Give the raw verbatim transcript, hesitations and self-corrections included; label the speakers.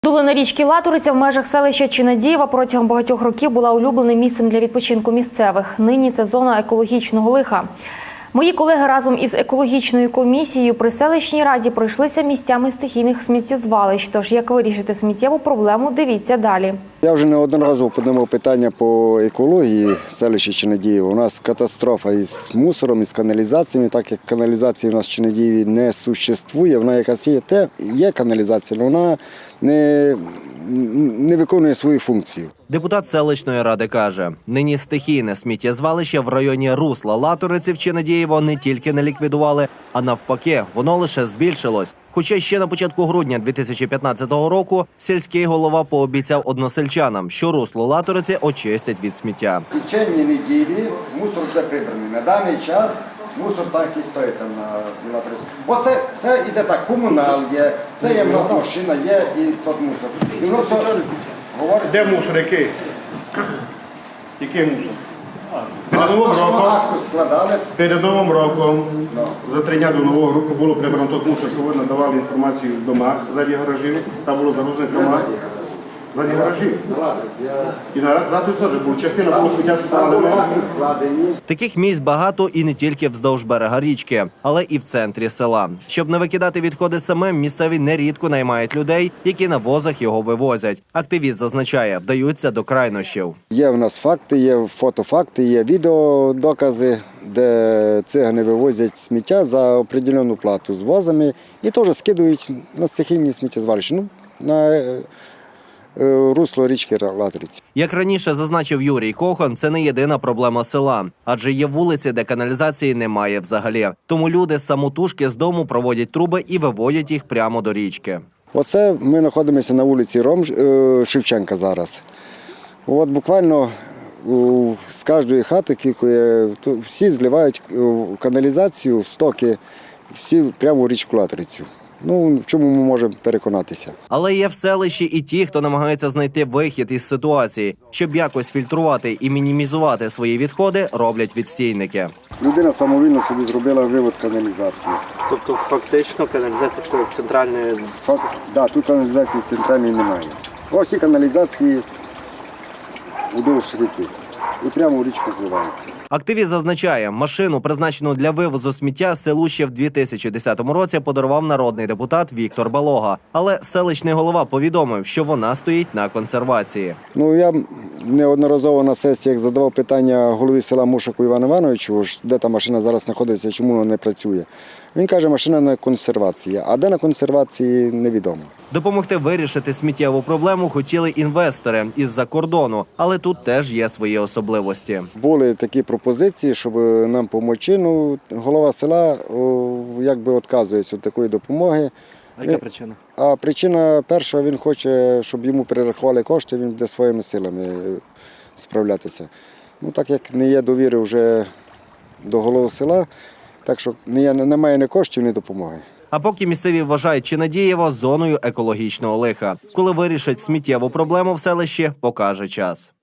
Speaker 1: Долина річки Латориця в межах селища Чинадієва протягом багатьох років була улюбленим місцем для відпочинку місцевих. Нині це зона екологічного лиха. Мої колеги разом із екологічною комісією при селищній раді пройшлися місцями стихійних сміттєзвалищ. Тож, як вирішити сміттєву проблему, дивіться далі.
Speaker 2: Я вже неодноразово піднімав питання по екології селища Чинадієва. У нас катастрофа із мусором, із каналізаціями. Так як каналізації у нас в Чинадієві не существує, вона якась є, те, є каналізація, але вона не, не виконує свою функцію.
Speaker 3: Депутат селищної ради каже, нині стихійне сміттєзвалище в районі русла Латориці в Чинадієво не тільки не ліквідували, а навпаки, воно лише збільшилось. Хоча ще на початку грудня дві тисячі п'ятнадцятого року сільський голова пообіцяв односельчанам, що русло Латориці очистять від сміття.
Speaker 2: В течение неділі мусор буде прибраний. На даний час мусор так і стоїть там на Латориці. Бо це все йде так, комунал є, це є в нас машина, є і тот мусор. І воно все говорить.
Speaker 4: Де мусор, який? Який мусор?
Speaker 2: А
Speaker 4: Перед новим
Speaker 2: то, що ми
Speaker 4: роком,
Speaker 2: акту складали,
Speaker 4: перед новим роком,
Speaker 2: Ну.
Speaker 4: за три дня до нового року було прибрано той мусор, що ви надавали інформацію в домах ззаді гаражів. Там було загрузено КАМАЗ. Ззаді гаражів.
Speaker 2: на Латориці, я...
Speaker 4: І на Латориці теж було. Частина було сміття
Speaker 2: Там
Speaker 4: складали
Speaker 2: були
Speaker 4: ми.
Speaker 2: акти складені.
Speaker 3: Таких місць багато і не тільки вздовж берега річки, але і в центрі села. Щоб не викидати відходи самим, місцеві нерідко наймають людей, які на возах його вивозять. Активіст зазначає, вдаються до крайнощів.
Speaker 2: Є в нас факти, є фотофакти, є відеодокази, де цигани вивозять сміття за определену плату з возами і теж скидують на стихійні сміттєзвалища, ну, на е, е, русло річки Латориці.
Speaker 3: Як раніше зазначив Юрій Кохан, це не єдина проблема села. Адже є вулиці, де каналізації немає взагалі. Тому люди самотужки з дому проводять труби і виводять їх прямо до річки.
Speaker 2: Оце ми знаходимося на вулиці Ром, е, Шевченка зараз. От буквально у, з кожної хати кількує, то всі зливають в каналізацію, в стоки, всі прямо в річку Латорицю. Ну, в чому ми можемо переконатися?
Speaker 3: Але є в селищі і ті, хто намагається знайти вихід із ситуації. Щоб якось фільтрувати і мінімізувати свої відходи, роблять відстійники.
Speaker 2: Людина самовільно собі зробила вивод каналізації.
Speaker 5: Тобто фактично каналізація такої центральної...
Speaker 2: Факт, да, тут каналізації центральної немає. Ось ці каналізації удовж ріки. І прямо в річку зливаються.
Speaker 3: Активіст зазначає, машину, призначену для вивозу сміття, селу ще в дві тисячі десятому році подарував народний депутат Віктор Балога. Але селищний голова повідомив, що вона стоїть на консервації.
Speaker 2: Ну, я неодноразово на сесіях задавав питання голові села Мушаку Івану Івановичу, де та машина зараз знаходиться, чому вона не працює. Він каже, машина на консервації, а де на консервації – невідомо.
Speaker 3: Допомогти вирішити сміттєву проблему хотіли інвестори із-за кордону, але тут теж є свої особливості.
Speaker 2: Були такі пропозиції, щоб нам допомогти. Ну, голова села о, якби відказується від такої допомоги.
Speaker 5: А яка причина?
Speaker 2: А причина перша, він хоче, щоб йому перерахували кошти, він буде своїми силами справлятися. Ну, так як не є довіри вже до голови села, так що немає ні коштів, ні допомоги.
Speaker 3: А поки місцеві вважають Чинадієво зоною екологічного лиха. Коли вирішать сміттєву проблему в селищі, покаже час.